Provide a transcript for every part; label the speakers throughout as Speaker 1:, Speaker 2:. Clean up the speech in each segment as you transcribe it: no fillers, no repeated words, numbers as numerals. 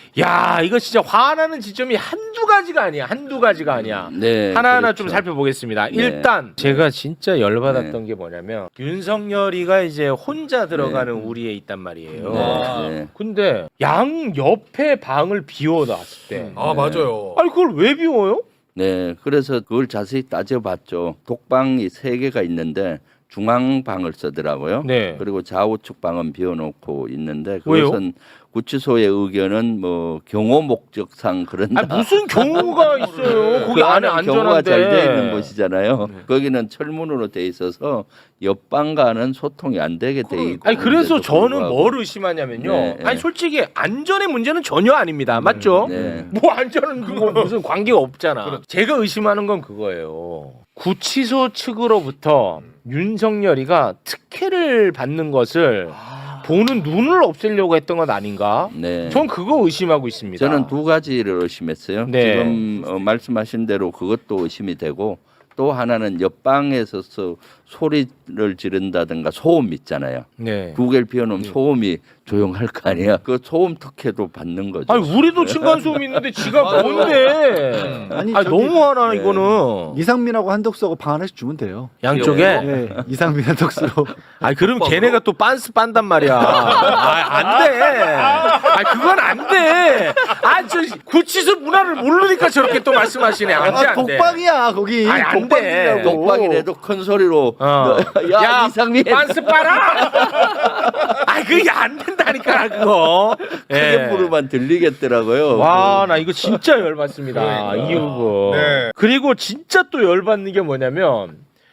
Speaker 1: 야, 이거 진짜 화나는 지점이 한두 가지가 아니야.
Speaker 2: 네,
Speaker 1: 하나하나
Speaker 2: 그렇죠.
Speaker 1: 좀 살펴보겠습니다.
Speaker 2: 네.
Speaker 1: 일단 제가 진짜 열받았던 게 뭐냐면 윤석열이가 이제 혼자 들어가는 우리에 있단 말이에요.
Speaker 2: 네.
Speaker 1: 근데 양 옆에 방을 비워놨을 때
Speaker 3: 아 맞아요.
Speaker 1: 아니 그걸 왜 비워요?
Speaker 2: 네, 그래서 그걸 자세히 따져봤죠. 독방이 3개가 있는데 중앙방을 쓰더라고요.
Speaker 1: 네.
Speaker 2: 그리고 좌우측 방은 비워놓고 있는데
Speaker 1: 왜요?
Speaker 2: 그것은 구치소의 의견은 뭐 경호 목적상 그런다.
Speaker 1: 아니 무슨 경우가 있어요? 거기
Speaker 2: 그
Speaker 1: 안에
Speaker 2: 경호가 잘 돼 있는
Speaker 1: 안전한데.
Speaker 2: 곳이잖아요. 거기는 철문으로 돼 있어서 옆방과는 소통이 안 되게 돼 있고.
Speaker 1: 아니 그래서
Speaker 2: 그런데도
Speaker 1: 저는
Speaker 2: 불구하고.
Speaker 1: 뭘 의심하냐면요.
Speaker 2: 네, 네.
Speaker 1: 아니 솔직히 안전의 문제는 전혀 아닙니다. 맞죠?
Speaker 2: 네.
Speaker 1: 뭐 안전은 그거 무슨 관계가 없잖아. 제가 의심하는 건 그거예요. 구치소 측으로부터 윤석열이가 특혜를 받는 것을 보는 눈을 없애려고 했던 건 아닌가?
Speaker 2: 네.
Speaker 1: 전 그거 의심하고 있습니다.
Speaker 2: 저는 2가지를 의심했어요.
Speaker 1: 네.
Speaker 2: 지금 말씀하신 대로 그것도 의심이 되고 또 하나는 옆방에서 소리를 지른다든가 소음 있잖아요.
Speaker 1: 네.
Speaker 2: 2개를 비워놓으면 소음이 조용할 거 아니야. 그 소음 특혜도 받는 거죠.
Speaker 1: 아니 우리도 층간소음 있는데 지가 뭔데?
Speaker 4: 아니,
Speaker 1: 아니
Speaker 4: 저기-
Speaker 1: 너무하나
Speaker 2: 네.
Speaker 1: 이거는
Speaker 4: 이상민하고 한덕수하고 방 하나씩 주면 돼요.
Speaker 1: 양쪽에.
Speaker 4: 네, 이상민 한덕수로.
Speaker 1: 아니 그럼 걔네가 또 빤스 빤단 말이야. 안 돼. 아 그건 안 돼. 저 구치소 문화를 모르니까 저렇게 또 말씀하시네. 안 돼, 안 돼.
Speaker 4: 독방이야 거기.
Speaker 1: 아니, 안 돼.
Speaker 4: 독방이라고.
Speaker 2: 독방이라도 큰 소리로
Speaker 1: 야,
Speaker 2: 이상민
Speaker 1: 빤스 빨아. 아 그게 안 된다니까 그거.
Speaker 2: 크게 부르면 들리겠더라고요.
Speaker 1: 와, 나 이거 진짜 열받습니다. 이 부분.
Speaker 3: 네.
Speaker 1: 그리고 진짜 또 열받는 게 뭐냐면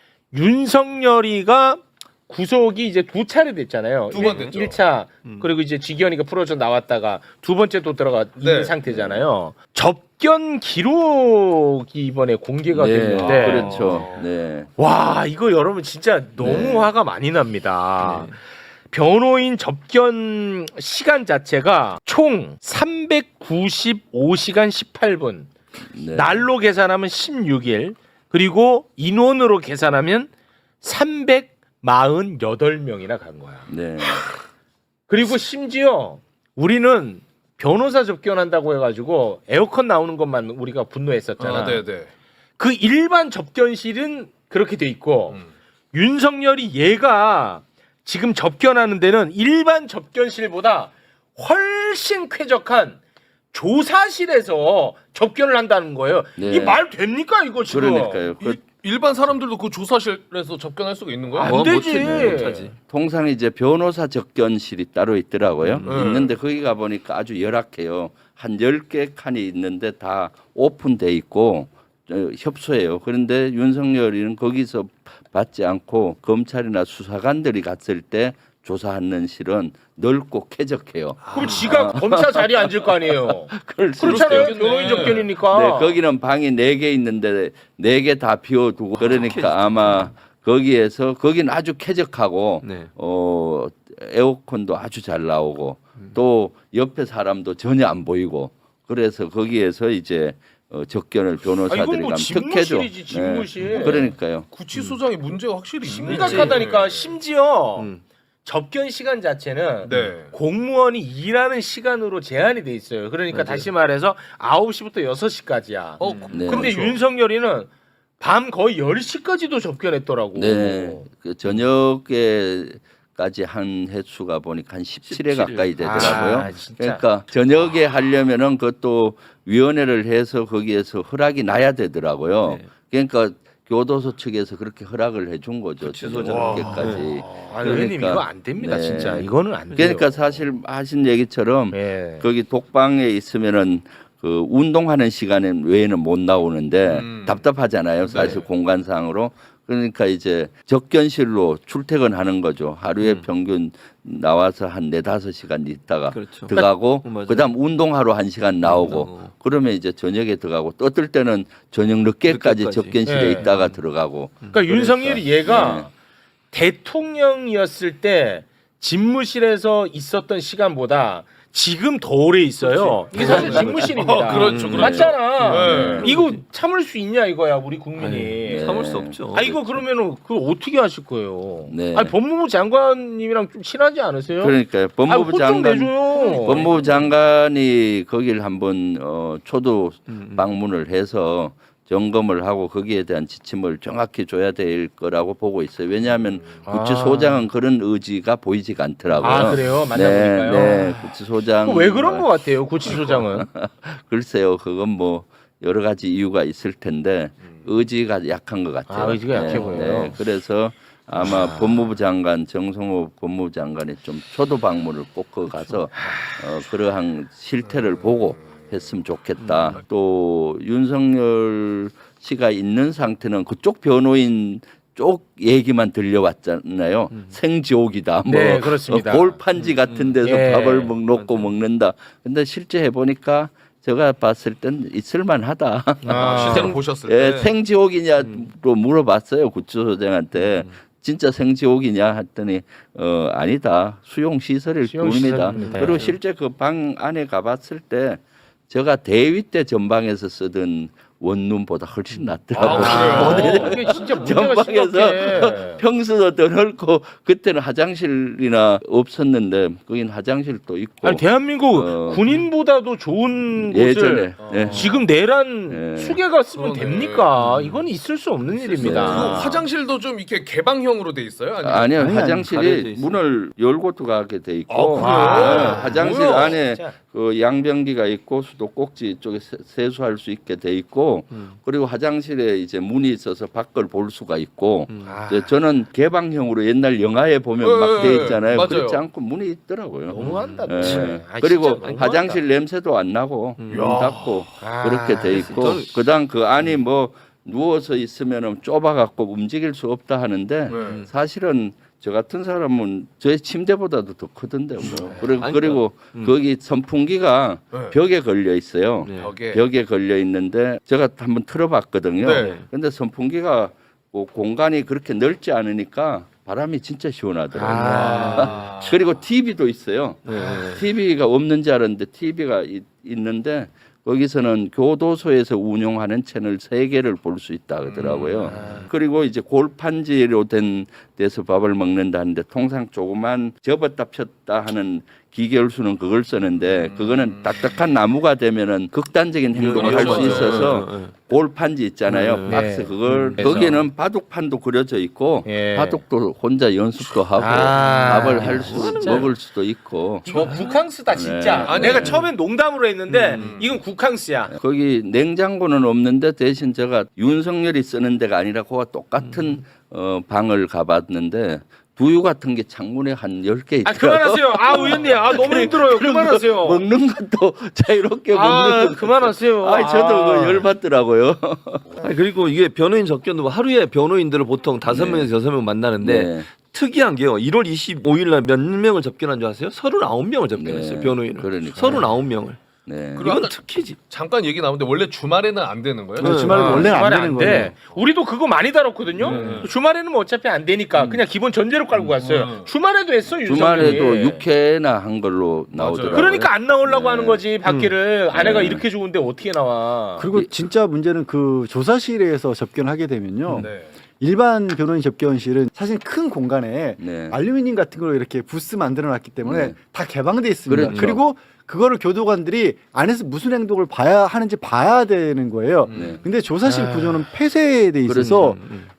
Speaker 1: 윤석열이가 구속이 이제 2차례 됐잖아요.
Speaker 3: 2번 됐죠.
Speaker 1: 1차 그리고 이제 지기현이가 풀어져 나왔다가 2번째 또 들어가 있는
Speaker 3: 네.
Speaker 1: 상태잖아요. 접견 기록이 이번에 공개가
Speaker 2: 네,
Speaker 1: 됐는데
Speaker 2: 그렇죠. 네.
Speaker 1: 와 이거 여러분 진짜 너무
Speaker 2: 네.
Speaker 1: 화가 많이 납니다. 변호인 접견 시간 자체가 총 395시간 18분.
Speaker 2: 네.
Speaker 1: 날로 계산하면 16일. 그리고 인원으로 계산하면 348명이나 간 거야.
Speaker 2: 네.
Speaker 1: 그리고 심지어 우리는 변호사 접견한다고 해가지고 에어컨 나오는 것만 우리가 분노했었잖아.
Speaker 3: 네네.
Speaker 1: 그 일반 접견실은 그렇게 돼 있고 윤석열이 얘가 지금 접견하는 데는 일반 접견실보다 훨씬 쾌적한 조사실에서 접견을 한다는 거예요.
Speaker 2: 네.
Speaker 1: 이 말 됩니까 이거 지금?
Speaker 2: 그러니까요.
Speaker 3: 일반 사람들도 그 조사실에서 접견할 수가 있는 거예요?
Speaker 1: 안 되지.
Speaker 5: 못하지.
Speaker 2: 통상 이제 변호사 접견실이 따로 있더라고요.
Speaker 1: 네.
Speaker 2: 있는데 거기 가 보니까 아주 열악해요. 한 10개 칸이 있는데 다 오픈돼 있고 협소해요. 그런데 윤석열이는 거기서 받지 않고 검찰이나 수사관들이 갔을 때 조사하는 실은 넓고 쾌적해요.
Speaker 1: 그럼 지가 검사 자리에 앉을 거 아니에요.
Speaker 2: 그럴 수
Speaker 1: 그렇잖아요.
Speaker 2: 있어요.
Speaker 1: 변호인 접견이니까.
Speaker 2: 네, 거기는 방이 4개 있는데 4개 다 비워두고 그러니까 아마 거기에서 거기는 아주 쾌적하고
Speaker 5: 네.
Speaker 2: 에어컨도 아주 잘 나오고 또 옆에 사람도 전혀 안 보이고 그래서 거기에서 이제 접견을 변호사들이
Speaker 1: 이건 뭐
Speaker 2: 가면 특혜죠.
Speaker 1: 집무실이지, 집무실.
Speaker 2: 그러니까요.
Speaker 3: 구치소장이 문제가 확실히 있네.
Speaker 1: 심각하다니까. 심지어 접견 시간 자체는
Speaker 3: 네.
Speaker 1: 공무원이 일하는 시간으로 제한이 돼 있어요. 그러니까 다시 말해서 9시부터 6시까지야.
Speaker 2: 네.
Speaker 1: 근데
Speaker 3: 그렇죠.
Speaker 1: 윤석열이는 밤 거의 10시까지도 접견했더라고.
Speaker 2: 네. 그 저녁에까지 한 횟수가 보니까 한 17회 가까이 되더라고요.
Speaker 1: 아, 진짜.
Speaker 2: 그러니까 저녁에 하려면은 그것도 위원회를 해서 거기에서 허락이 나야 되더라고요. 그러니까 교도소 측에서 그렇게 허락을 해준 거죠. 저녁에까지.
Speaker 1: 아, 의원님 이거 안 됩니다.
Speaker 2: 네.
Speaker 1: 진짜 이거는 안 돼요.
Speaker 2: 그러니까 사실 하신 얘기처럼
Speaker 1: 네.
Speaker 2: 거기 독방에 있으면은 그 운동하는 시간 외에는 못 나오는데 답답하잖아요. 사실 공간상으로. 그러니까 이제 접견실로 출퇴근하는 거죠. 하루에 평균 나와서 한 4-5시간 있다가
Speaker 5: 그렇죠.
Speaker 2: 들어가고
Speaker 5: 맞아요.
Speaker 2: 그다음 운동하러 1시간 나오고 그러면 이제 저녁에 들어가고 또 어떨 때는 저녁 늦게까지
Speaker 5: 늦게까지.
Speaker 2: 접견실에
Speaker 1: 네.
Speaker 2: 있다가 들어가고
Speaker 1: 그러니까 윤석열이 얘가
Speaker 2: 네.
Speaker 1: 대통령이었을 때 집무실에서 있었던 시간보다 지금 더 오래 있어요. 이게 사실 직무실입니다.
Speaker 3: 그렇죠, 그렇죠.
Speaker 1: 맞잖아.
Speaker 3: 네.
Speaker 1: 이거 참을 수 있냐 이거야 우리 국민이.
Speaker 2: 네.
Speaker 5: 참을 수 없죠.
Speaker 1: 아 이거 그러면은 그거 어떻게 하실 거예요?
Speaker 2: 네.
Speaker 1: 아니 법무부 장관님이랑 좀 친하지 않으세요?
Speaker 2: 그러니까요. 법무부
Speaker 1: 좀
Speaker 2: 장관
Speaker 1: 내줘요.
Speaker 2: 법무부 장관이 거길 한번 초도 방문을 해서 점검을 하고 거기에 대한 지침을 정확히 줘야 될 거라고 보고 있어요. 왜냐하면 구치소장은 그런 의지가 보이지가 않더라고요.
Speaker 1: 아 그래요? 만나보니까요.
Speaker 2: 네, 구치소장.
Speaker 1: 왜 그런 것 같아요? 구치소장은.
Speaker 2: 글쎄요, 그건 뭐 여러 가지 이유가 있을 텐데 의지가 약한 것 같아요.
Speaker 1: 아, 의지가 약해 보여요.
Speaker 2: 그래서 아마 법무부 장관 정성호 법무부 장관이 좀 초도 방문을 꼭 거 가서 그러한 실태를 보고 했으면 좋겠다. 또 윤석열 씨가 있는 상태는 그쪽 변호인 쪽 얘기만 들려왔잖아요. 생지옥이다. 뭐
Speaker 1: 네, 그렇습니다.
Speaker 2: 골판지 같은 데서
Speaker 1: 예.
Speaker 2: 밥을 놓고 먹는다. 근데 실제 해보니까 제가 봤을 땐 있을만하다.
Speaker 3: 실제로 보셨을
Speaker 2: 예,
Speaker 3: 때
Speaker 2: 생지옥이냐로 물어봤어요 구치소장한테. 진짜 생지옥이냐 했더니 아니다. 수용 시설일 뿐입니다.
Speaker 1: 시설입니다.
Speaker 2: 그리고 실제 그 방 안에 가봤을 때 제가 대위 때 전방에서 쓰던 원룸보다 훨씬 낫더라고요.
Speaker 1: 이게 진짜 문제가 심각해.
Speaker 2: 전방에서 평수도 더 넓고 그때는 화장실이나 없었는데 거긴 화장실도 있고.
Speaker 1: 아니 대한민국 군인보다도 좋은
Speaker 2: 예전에
Speaker 1: 곳을
Speaker 2: 예.
Speaker 1: 지금 내란
Speaker 2: 예.
Speaker 1: 수개가 쓰면
Speaker 3: 그러네.
Speaker 1: 됩니까? 이건 있을 수 없는
Speaker 3: 그
Speaker 1: 일입니다.
Speaker 3: 화장실도 좀 이렇게 개방형으로 돼 있어요? 아니면
Speaker 2: 아니요
Speaker 4: 아니, 가려져
Speaker 2: 화장실이
Speaker 5: 있어요.
Speaker 2: 문을 열고 들어가게 돼 있고
Speaker 3: 그래요?
Speaker 2: 화장실
Speaker 1: 뭐야,
Speaker 2: 안에
Speaker 1: 진짜.
Speaker 2: 그 양변기가 있고 수도꼭지 쪽에 세수할 수 있게 돼 있고 그리고 화장실에 이제 문이 있어서 밖을 볼 수가 있고 이제 저는 개방형으로 옛날 영화에 보면 막 돼 있잖아요.
Speaker 3: 맞아요.
Speaker 2: 그렇지 않고 문이 있더라고요.
Speaker 1: 너무한다.
Speaker 2: 예.
Speaker 1: 진짜. 아,
Speaker 2: 그리고
Speaker 1: 진짜 너무한다.
Speaker 2: 화장실 냄새도 안 나고 문 닫고 그렇게 돼 있고
Speaker 5: 저는-
Speaker 2: 그다음 그 안이 뭐 누워서 있으면은 좁아갖고 움직일 수 없다 하는데
Speaker 3: 네.
Speaker 2: 사실은 저 같은 사람은 저의 침대보다도 더 크던데 뭐.
Speaker 5: 아니,
Speaker 2: 그리고 거기 선풍기가
Speaker 3: 네.
Speaker 2: 벽에 걸려 있어요.
Speaker 5: 네.
Speaker 2: 벽에 걸려 있는데 제가 한번 틀어봤거든요.
Speaker 3: 네.
Speaker 2: 근데 선풍기가 뭐 공간이 그렇게 넓지 않으니까 바람이 진짜 시원하더라고요. 그리고 TV도 있어요. TV가 없는 줄 알았는데 TV가 있는데 거기서는 교도소에서 운영하는 채널 3개를 볼 수 있다 하더라고요. 그리고 이제 골판지로 된 데서 밥을 먹는다는데 통상 조그만 접었다 폈다 하는 기계열수는 그걸 쓰는데 그거는 딱딱한 나무가 되면은 극단적인 행동을 할 수
Speaker 3: 맞아요.
Speaker 2: 있어서 골판지 있잖아요. 박스 그걸
Speaker 1: 그래서.
Speaker 2: 거기는 바둑판도 그려져 있고
Speaker 1: 예.
Speaker 2: 바둑도 혼자 연습도 하고 밥을 할 수 먹을 수도 있고
Speaker 1: 저 국항스다 진짜.
Speaker 3: 아니,
Speaker 1: 내가 처음엔 농담으로 했는데 이건 국항스야.
Speaker 2: 거기 냉장고는 없는데 대신 제가 윤석열이 쓰는 데가 아니라 그와 똑같은 방을 가봤는데 두유 같은 게 창문에 한 10개
Speaker 1: 아
Speaker 2: 있더라고요.
Speaker 1: 그만하세요. 아 의원님, 아 너무 힘들어요. 그만하세요.
Speaker 2: 먹는 것도 자유롭게
Speaker 1: 아
Speaker 2: 먹는 것.
Speaker 1: 그만하세요.
Speaker 2: 아, 저도 그거 열받더라고요.
Speaker 5: 아니, 그리고 이게 변호인 접견도 하루에 변호인들을 보통 5명에서 6명 만나는데
Speaker 2: 네.
Speaker 5: 특이한 게요. 1월 25일 날 몇 명을 접견한 줄 아세요? 39명을 접견했어요.
Speaker 2: 네.
Speaker 5: 변호인을.
Speaker 2: 그러니까요.
Speaker 5: 39명을.
Speaker 2: 네.
Speaker 3: 그리고
Speaker 5: 이건
Speaker 3: 아까
Speaker 5: 특히지.
Speaker 3: 잠깐 얘기 나오는데 원래 주말에는 안 되는 거예요?
Speaker 4: 네, 주말에 원래는 안
Speaker 1: 주말에
Speaker 4: 되는
Speaker 1: 안
Speaker 4: 거예요.
Speaker 1: 돼. 우리도 그거 많이 다뤘거든요. 주말에는 뭐 어차피 안 되니까 그냥 기본 전제로 깔고 갔어요. 주말에도 했어 윤석열이.
Speaker 2: 주말에도 6회나 한 걸로 나오더라고요.
Speaker 1: 그러니까 안 나오려고
Speaker 2: 네.
Speaker 1: 하는 거지 밖에를 아내가
Speaker 2: 네.
Speaker 1: 이렇게 좋은데 어떻게 나와?
Speaker 4: 그리고 진짜 문제는 그 조사실에서 접견하게 되면요.
Speaker 3: 네.
Speaker 4: 일반 변호인 접견실은 사실 큰 공간에
Speaker 2: 네.
Speaker 4: 알루미늄 같은 걸로 이렇게 부스 만들어 놨기 때문에
Speaker 2: 네.
Speaker 4: 다 개방돼 있습니다.
Speaker 2: 그렇죠.
Speaker 4: 그리고 그거를 교도관들이 안에서 무슨 행동을 봐야 하는지 봐야 되는 거예요.
Speaker 2: 네.
Speaker 4: 근데 조사실 구조는 폐쇄돼 있어서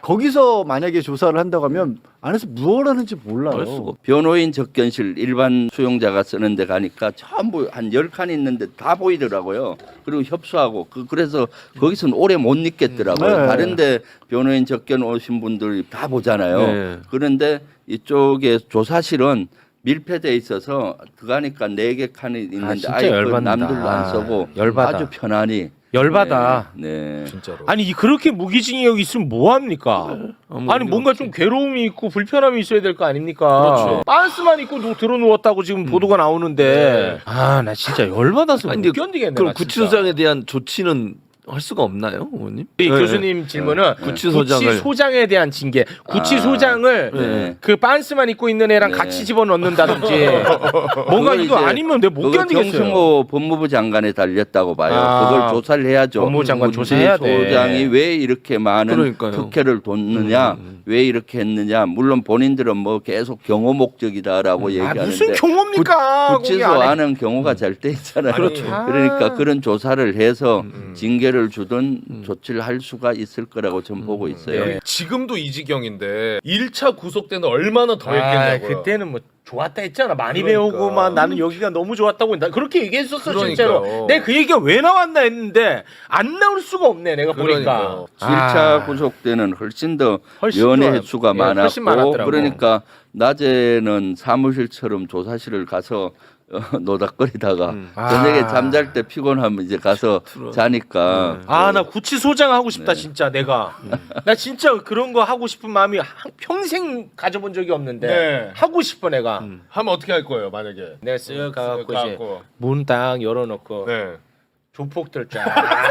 Speaker 4: 거기서 만약에 조사를 한다고 하면 안에서 무엇을 하는지 몰라요.
Speaker 5: 알 수가 없-
Speaker 2: 변호인 접견실 일반 수용자가 쓰는 데 가니까 전부 한 10칸 있는데 다 보이더라고요. 그리고 협소하고 그래서 거기서는 오래 못 있겠더라고요.
Speaker 4: 네.
Speaker 2: 다른데 변호인 접견 오신 분들이 다 보잖아요.
Speaker 5: 네.
Speaker 2: 그런데 이쪽에 조사실은 밀폐돼 있어서 들어가니까 4개 칸이 있는데
Speaker 1: 진짜
Speaker 2: 아예 그
Speaker 1: 열받는다.
Speaker 2: 남들도 안 쓰고
Speaker 1: 열받아.
Speaker 2: 아주 편안히
Speaker 1: 열받아.
Speaker 2: 네.
Speaker 3: 진짜로.
Speaker 1: 아니 그렇게 무기징역 있으면 뭐 합니까? 아니 뭔가 좀 괴로움이 있고 불편함이 있어야 될 거 아닙니까?
Speaker 3: 그렇죠.
Speaker 1: 빤스만 입고 들어 누웠다고 지금 보도가 나오는데 아 나 진짜 열받아서
Speaker 5: 아니,
Speaker 1: 못
Speaker 5: 근데
Speaker 1: 견디겠네.
Speaker 5: 그럼
Speaker 1: 나 진짜.
Speaker 5: 구치소장에 대한 조치는 할 수가 없나요, 의원님?
Speaker 1: 이
Speaker 5: 네.
Speaker 1: 교수님 질문은
Speaker 5: 구치소장을
Speaker 1: 구치소장에 대한 징계, 구치소장을
Speaker 5: 네.
Speaker 1: 그 빤스만 입고 있는 애랑
Speaker 2: 네.
Speaker 1: 같이 집어넣는다든지 뭔가
Speaker 2: 그거
Speaker 1: 이거
Speaker 2: 이제
Speaker 1: 아니면 내가 못
Speaker 2: 그거
Speaker 1: 견디겠어요.
Speaker 2: 정승호 법무부 장관에 달렸다고 봐요.
Speaker 1: 아,
Speaker 2: 그걸 조사를 해야죠.
Speaker 1: 법무부 장관 조사해야 돼.
Speaker 2: 구치소장이 왜 이렇게 많은
Speaker 5: 그러니까요.
Speaker 2: 특혜를 뒀느냐, 왜 이렇게 했느냐. 물론 본인들은 뭐 계속 경호 목적이다라고
Speaker 1: 아,
Speaker 2: 얘기하는데
Speaker 1: 무슨 경호입니까?
Speaker 2: 구치소
Speaker 1: 거기 안에.
Speaker 2: 안은 경우가 잘 돼 있잖아요.
Speaker 1: 그렇죠.
Speaker 2: 그러니까 그런 조사를 해서 징계를 주든 조치를 할 수가 있을 거라고 저는 보고 있어요.
Speaker 1: 네.
Speaker 3: 지금도 이 지경인데 1차 구속 때는 얼마나 더
Speaker 1: 아,
Speaker 3: 했겠냐고요.
Speaker 1: 그때는 뭐 좋았다 했잖아. 많이
Speaker 3: 그러니까.
Speaker 1: 배우고만 나는 여기가 너무 좋았다고 나 그렇게 얘기했었어.
Speaker 3: 그러니까요.
Speaker 1: 실제로. 내가 그 얘기가 왜 나왔나 했는데 안 나올 수가 없네. 내가 보니까.
Speaker 3: 그러니까요.
Speaker 2: 1차 구속 때는 훨씬 더
Speaker 1: 훨씬
Speaker 2: 연애
Speaker 1: 좋아요.
Speaker 2: 횟수가
Speaker 1: 예, 훨씬
Speaker 2: 많았고
Speaker 1: 많았더라고.
Speaker 2: 그러니까 낮에는 사무실처럼 조사실을 가서 노닥거리다가 저녁에
Speaker 1: 아.
Speaker 2: 잠잘 때 피곤하면 이제 가서 자니까
Speaker 1: 아, 나 구치소장 하고 싶다
Speaker 2: 네.
Speaker 1: 진짜 내가. 나 진짜 그런 거 하고 싶은 마음이 평생 가져본 적이 없는데
Speaker 3: 네.
Speaker 1: 하고 싶어 내가.
Speaker 3: 하면 어떻게 할 거예요, 만약에?
Speaker 1: 내가 쓱 가갖고 이제
Speaker 3: 가갖고.
Speaker 1: 문 딱 열어놓고
Speaker 3: 네.
Speaker 1: 조폭들 쫙.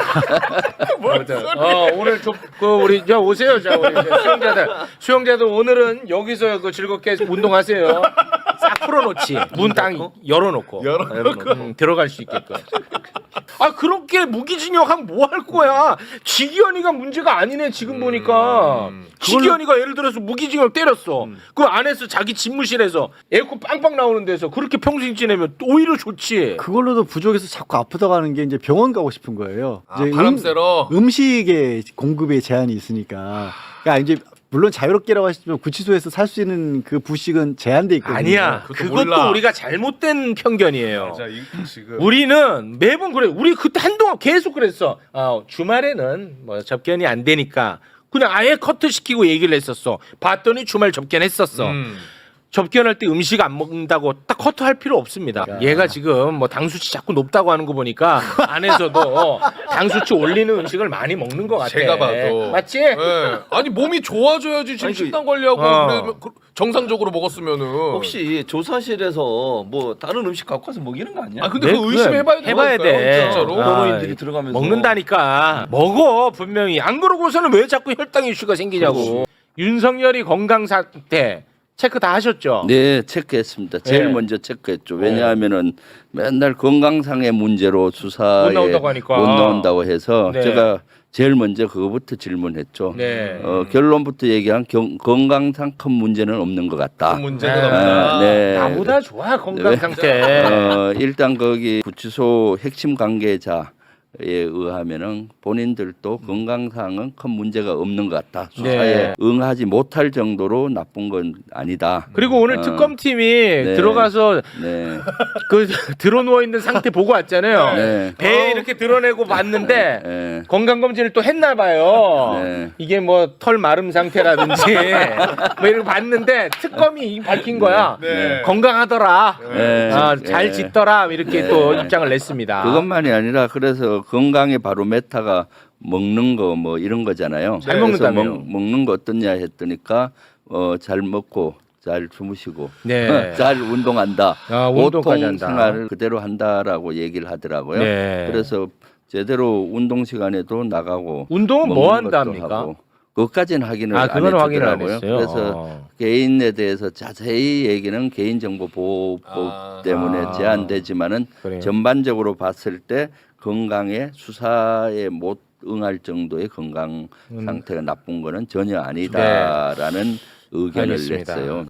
Speaker 1: 오늘 우리 저 오세요, 자 우리 이제 수영자들 오늘은 여기서 그 즐겁게 운동하세요. 싹 풀어놓지. 문 딱 열어놓고 들어갈 수 있게끔. 아 그렇게 무기징역하면 뭐 할 거야? 지기현이가 문제가 아니네 지금 보니까. 지기현이가 예를 들어서 무기징역 때렸어. 그 안에서 자기 집무실에서 에어컨 빵빵 나오는 데서 그렇게 평생 지내면 오히려 좋지.
Speaker 4: 그걸로도 부족해서 자꾸 아프다고 하는 게 이제 병원 가고 싶은 거예요.
Speaker 3: 아, 바람 쐬러?
Speaker 4: 음식의 공급에 제한이 있으니까. 그러니까 이제 물론 자유롭게라고 하시지만 구치소에서 살 수 있는 그 부식은 제한돼 있거든요.
Speaker 1: 아니야.
Speaker 3: 그것도
Speaker 1: 그것도
Speaker 3: 몰라.
Speaker 1: 우리가 잘못된 편견이에요.
Speaker 3: 자, 지금
Speaker 1: 우리는 매번 그래. 우리 그때 한동안 계속 그랬어. 주말에는 뭐 접견이 안 되니까 그냥 아예 커트 시키고 얘기를 했었어. 봤더니 주말 접견했었어. 접견할 때 음식 안 먹는다고 딱 커트할 필요 없습니다. 얘가 지금 뭐 당수치 자꾸 높다고 하는 거 보니까 안에서도 당수치 올리는 음식을 많이 먹는 것 같아.
Speaker 3: 제가 봐도
Speaker 1: 맞지?
Speaker 3: 네. 아니 몸이 좋아져야지 지금
Speaker 5: 아니,
Speaker 3: 식단 관리하고 그러면 정상적으로 먹었으면은
Speaker 5: 혹시 조사실에서 뭐 다른 음식 갖고 와서 먹이는 거 아니야?
Speaker 3: 아 근데
Speaker 1: 네,
Speaker 3: 그거 의심해봐야
Speaker 1: 해봐야 돼.
Speaker 3: 진짜로.
Speaker 1: 아,
Speaker 5: 변호인들이 들어가면서
Speaker 1: 먹는다니까. 먹어 분명히. 안 그러고서는 왜 자꾸 혈당 이슈가 생기냐고. 윤석열이 건강 상태 체크 다 하셨죠?
Speaker 2: 네, 체크했습니다. 제일
Speaker 1: 네.
Speaker 2: 먼저 체크했죠. 왜냐하면은 맨날 건강상의 문제로 수사에
Speaker 1: 못 나온다고 하니까.
Speaker 2: 못 나온다고 해서
Speaker 1: 네.
Speaker 2: 제가 제일 먼저 그거부터 질문했죠.
Speaker 1: 네.
Speaker 2: 결론부터 얘기한 건강상 큰 문제는 없는 것 같다.
Speaker 3: 그 문제는
Speaker 1: 아,
Speaker 3: 없다.
Speaker 2: 네.
Speaker 1: 나보다 좋아 건강
Speaker 2: 네.
Speaker 1: 상태.
Speaker 2: 일단 거기 구치소 핵심 관계자에 의하면은 본인들도 건강상은 큰 문제가 없는 것 같다. 수사에
Speaker 1: 네.
Speaker 2: 응하지 못할 정도로 나쁜 건 아니다.
Speaker 1: 그리고 오늘
Speaker 2: 어.
Speaker 1: 특검팀이 들어가서
Speaker 2: 네.
Speaker 1: 그 들어 누워 있는 상태 보고 왔잖아요.
Speaker 2: 네.
Speaker 1: 배 이렇게 드러내고 봤는데
Speaker 2: 네.
Speaker 1: 건강 검진을 또 했나 봐요.
Speaker 2: 네.
Speaker 1: 이게 뭐 털 마름 상태라든지 뭐 이런 거 봤는데 특검이 밝힌 거야.
Speaker 3: 네.
Speaker 1: 건강하더라.
Speaker 2: 네.
Speaker 1: 잘 짓더라 이렇게
Speaker 2: 네.
Speaker 1: 또 입장을 냈습니다.
Speaker 2: 그것만이 아니라 그래서 건강의 바로메타가 먹는 거 뭐 이런 거잖아요.
Speaker 1: 잘
Speaker 2: 그래서
Speaker 1: 먹는다며요.
Speaker 2: 먹는 거 어떠냐 했더니까 잘 먹고 잘 주무시고
Speaker 1: 네.
Speaker 2: 잘 운동한다.
Speaker 1: 아, 운동까지
Speaker 2: 보통
Speaker 1: 한다.
Speaker 2: 생활을 그대로 한다라고 얘기를 하더라고요.
Speaker 1: 네.
Speaker 2: 그래서 제대로 운동 시간에도 나가고
Speaker 1: 운동은 뭐
Speaker 2: 먹는 것도
Speaker 1: 한답니까?
Speaker 2: 하고. 그것까지는 확인을 안
Speaker 1: 그거는 확인을 안
Speaker 2: 해주더라고요.
Speaker 1: 했어요.
Speaker 2: 그래서 개인에 대해서 자세히 얘기는 개인정보보호법 때문에 제한되지만은
Speaker 1: 그래요.
Speaker 2: 전반적으로 봤을 때 건강에 수사에 못 응할 정도의 건강 상태가 나쁜 거는 전혀 아니다라는 의견을
Speaker 1: 알겠습니다.
Speaker 2: 냈어요.